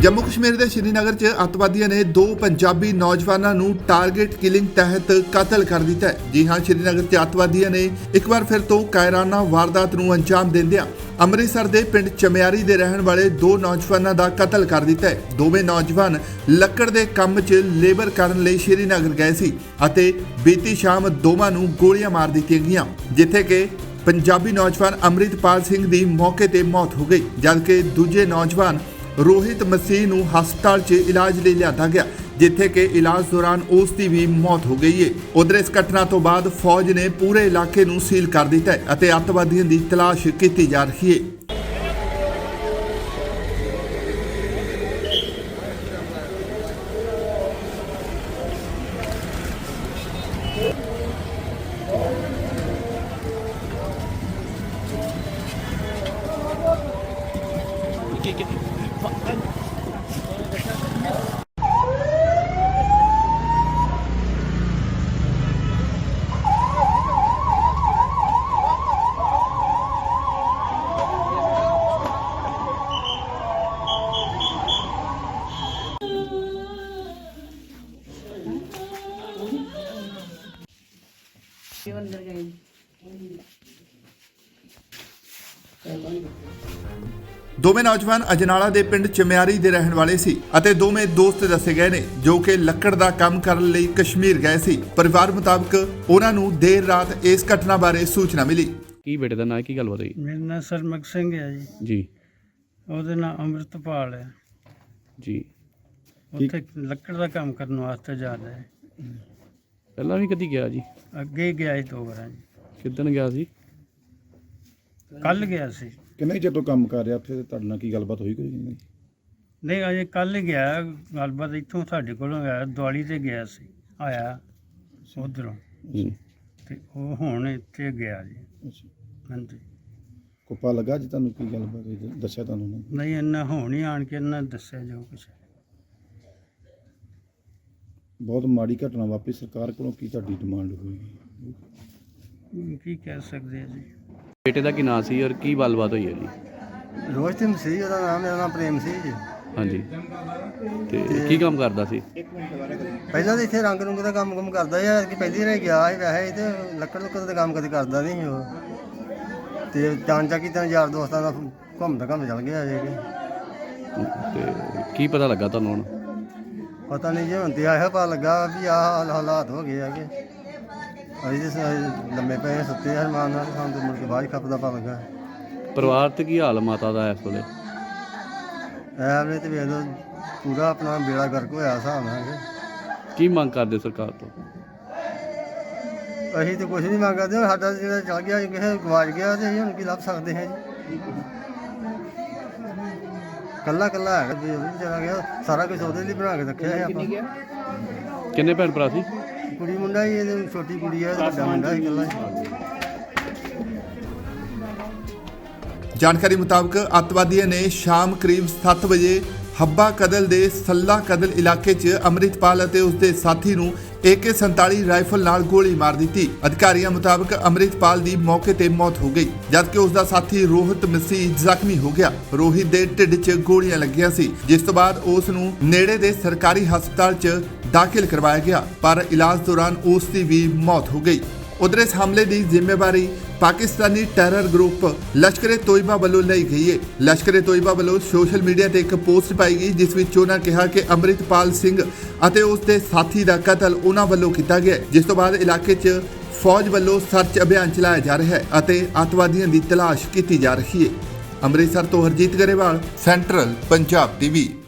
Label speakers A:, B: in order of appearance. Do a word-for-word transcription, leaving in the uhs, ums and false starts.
A: जम्मू कश्मीर के श्रीनगर च अतवादियों ने दो पंजाबी नौजवानों को टारगेट किलिंग तहत कतल कर दिता है। जी हाँ, श्रीनगर च अतवादियों ने एक बार फिर तो कायराना वारदात को अंजाम देंदियां अमृतसर के पिंड चमियारी के रहने वाले दो नौजवानों का कतल कर दिता है। दोवें नौजवान लक्कड़ के काम च लेबर करने लई श्रीनगर गए सी अते बीती शाम दोवां नूं गोलियां मार दित्तियां गईयां, जिथे कि पंजाबी नौजवान अमृतपाल सिंह की मौके पर मौत हो गई, जबकि दूजे नौजवान रोहित मसीह नूं हस्पताल च इलाज ਲਈ ਲਿਆਂਦਾ ਗਿਆ, जिथे कि इलाज दौरान उसकी भी मौत हो गई है। उधर इस घटना तो बाद फौज ने पूरे इलाके नूं सील कर दिता है अते अतवादियों की तलाश की जा रही है। दोवें नौजवान अजनाला के पिंड चमियारी के रहने वाले सी अते दोवें दोस्त दसे गए ने जो कि लक्कड़ का काम करने लई कश्मीर गए सी। परिवार मुताबिक उन्हां नूं देर रात इस घटना बारे सूचना मिली।
B: की बेटे का नाम की गल बताई?
C: मेरा नाम सरमख सिंह है जी
B: जी
C: ਉਹਦਾ ਨਾਮ ਅੰਮ੍ਰਿਤਪਾਲ ਹੈ
B: जी
C: ਉੱਥੇ ਲੱਕੜ ਦਾ ਕੰਮ ਕਰਨ ਵਾਸਤੇ ਜਾਂਦਾ ਹੈ।
B: ਪਹਿਲਾਂ ਵੀ ਕਦੀ ਗਿਆ ਜੀ?
C: ਅੱਗੇ ਹੀ ਗਿਆ ਸੀ ਦੋ ਵਾਰਾਂ ਜੀ।
B: ਕਿੱਦਣ ਗਿਆ ਸੀ?
C: ਕੱਲ ਗਿਆ ਸੀ।
D: ਕਿੰਨੇ ਚਿਰ ਤੋਂ ਕੰਮ ਕਰ ਰਿਹਾ ਉੱਥੇ ਤੇ ਤੁਹਾਡੇ ਨਾਲ ਕੀ ਗੱਲਬਾਤ ਹੋਈ ਕੋਈ ਨਹੀਂ?
C: ਨਹੀਂ ਅਜੇ ਕੱਲ ਹੀ ਗਿਆ। ਗੱਲਬਾਤ ਇੱਥੋਂ ਸਾਡੇ ਕੋਲੋਂ ਗਿਆ, ਦਿਵਾਲੀ ਤੇ ਗਿਆ ਸੀ, ਆਇਆ ਉਧਰੋਂ
B: ਜੀ
C: ਤੇ ਉਹ ਹੁਣ ਇੱਥੇ ਗਿਆ ਜੀ।
D: ਅੱਛਾ,
C: ਹਾਂਜੀ।
D: ਕੋਪਾ ਲੱਗਾ ਜੀ ਤੁਹਾਨੂੰ ਕੀ ਗੱਲਬਾਤ ਹੋਈ? ਦੱਸਿਆ ਤੁਹਾਨੂੰ ਉਹਨਾਂ ਨੇ?
C: ਨਹੀਂ ਇੰਨਾ ਹੁਣ ਹੀ ਆਣ ਕੇ ਇਹਨਾਂ ਦੱਸਿਆ ਜੋ ਕੁਛ।
D: ਬਹੁਤ ਮਾੜੀ ਘਟਨਾ ਵਾਪਰੀ, ਸਰਕਾਰ ਕੋਲੋਂ ਕੀ ਤੁਹਾਡੀ ਡਿਮਾਂਡ ਹੋਈ?
C: ਕੀ ਕਹਿ ਸਕਦੇ ਆ ਜੀ।
B: ਬੇਟੇ ਦਾ ਕੀ ਨਾਂ ਸੀ ਔਰ ਕੀ ਗੱਲਬਾਤ ਹੋਈ ਹੈ ਜੀ?
C: ਰੋਹਿਤ ਮਸੀਹ ਉਹਦਾ ਨਾਮ, ਮੇਰਾ ਨਾਮ ਪ੍ਰੇਮ ਸੀ ਜੀ।
B: ਹਾਂਜੀ, ਤੇ ਕੀ ਕੰਮ ਕਰਦਾ ਸੀ?
C: ਪਹਿਲਾਂ ਤਾਂ ਇੱਥੇ ਰੰਗ ਰੁੰਗ ਦਾ ਕੰਮ ਕੰਮ ਕਰਦਾ ਸੀ ਕਿ ਪਹਿਲੀ ਵਾਰ ਗਿਆ ਸੀ ਵੈਸੇ ਤੇ ਲੱਕੜ ਲੁੱਕੜ ਦਾ ਕੰਮ ਕਦੇ ਕਰਦਾ ਨਹੀਂ ਸੀ ਉਹ। ਤੇ ਚਾਂਚਾ ਕੀ ਤਾਂ ਯਾਰ ਦੋਸਤਾਂ ਦਾ ਘੁੰਮਦਾ ਘੁੰਮ ਚੱਲ ਗਿਆ ਜੇ ਕਿ
B: ਤੇ ਕੀ ਪਤਾ ਲੱਗਾ ਤੁਹਾਨੂੰ ਹੁਣ?
C: ਪਤਾ ਨਹੀਂ ਜੀ, ਹੁਣ ਤੇ ਆਇਆ ਪਤਾ ਲੱਗਾ ਵੀ ਆਹ ਹਾਲਾਤ ਹੋ ਗਏ ਹੈਗੇ। ਅਸੀਂ ਤੇ ਲੰਮੇ ਪਏ ਸੁੱਤੇ ਹਰਮਾਨ ਨਾਲ, ਸਾਨੂੰ ਤੇ ਮੁੜ ਕੇ ਬਾਅਦ ਖੱਪ ਦਾ ਪਤਾ ਲੱਗਾ।
B: ਪਰਿਵਾਰ ਤੇ ਕੀ ਹਾਲ ਮਾਤਾ ਦਾ ਇਸ ਵੇਲੇ?
C: ਐ ਵੇਲੇ ਤੇ ਵੇਖ ਲਓ ਪੂਰਾ ਆਪਣਾ ਬੇੜਾ ਗਰਕ ਹੋਇਆ ਹਿਸਾਬ ਨਾਲ ਕਿ
B: ਕੀ ਮੰਗ ਕਰਦੇ ਸਰਕਾਰ ਤੋਂ?
C: ਅਸੀਂ ਤੇ ਕੁਝ ਨਹੀਂ ਮੰਗਦੇ, ਸਾਡਾ ਜਿਹੜਾ ਚੱਲ ਗਿਆ ਕਿਸੇ ਗਵਾਚ ਗਿਆ ਤੇ ਅਸੀਂ ਹੁਣ ਕੀ ਲੱਭ ਸਕਦੇ ਹਾਂ ਜੀ। ਕੱਲਾ ਕੱਲਾ ਹੈਗਾ ਜੀ, ਉਹ ਵੀ ਚਲਾ ਗਿਆ। ਸਾਰਾ ਕੁਝ ਉਹਦੇ ਲਈ ਬਣਾ ਕੇ ਰੱਖਿਆ ਸੀ ਆਪਾਂ।
B: ਕਿੰਨੇ ਭੈਣ ਭਰਾ ਸੀ?
C: ਕੁੜੀ ਮੁੰਡਾ ਹੀ, ਇਹਦੀ ਛੋਟੀ ਕੁੜੀ ਹੈ, ਵੱਡਾ ਮੁੰਡਾ ਸੀ ਇਕੱਲਾ ਹੀ।
A: जानकारी मुताबिक अतवादियों ने शाम करीब सत्त बजे हब्बा कदल के सल्ला कदल इलाके च अमृतपाल और उसके साथी नूं ए के सैंताली राइफल नाल गोली मार दी। अधिकारियों मुताबिक अमृतपाल की मौके पर मौत हो गई, जबकि उसका साथी रोहित मसीह जख्मी हो गया। रोहित के ढिड च गोलियां लगियां सी, जिस तो बाद उस नूं नेड़े दे सरकारी हस्पताल च दाखिल करवाया गया, पर इलाज दौरान उसकी भी मौत हो गई। उधर इस हमले की जिम्मेवारी पाकिस्तानी टैरर ग्रुप लश्कर ए तोयबा वालों ली गई है। लश्कर ए तोयबा वालों सोशल मीडिया ते एक पोस्ट पाई गई, जिस विच उन्हां कहा कि अमृतपाल सिंह अते उसके साथी का कतल उन्हां वालों किया गया, जिस तो बाद इलाके च फौज वालों सर्च अभियान चलाया जा रहा है अते अतवादियों की तलाश की जा रही है। अमृतसर तो हरजीत गरेवाल, सेंट्रल पंजाब टीवी।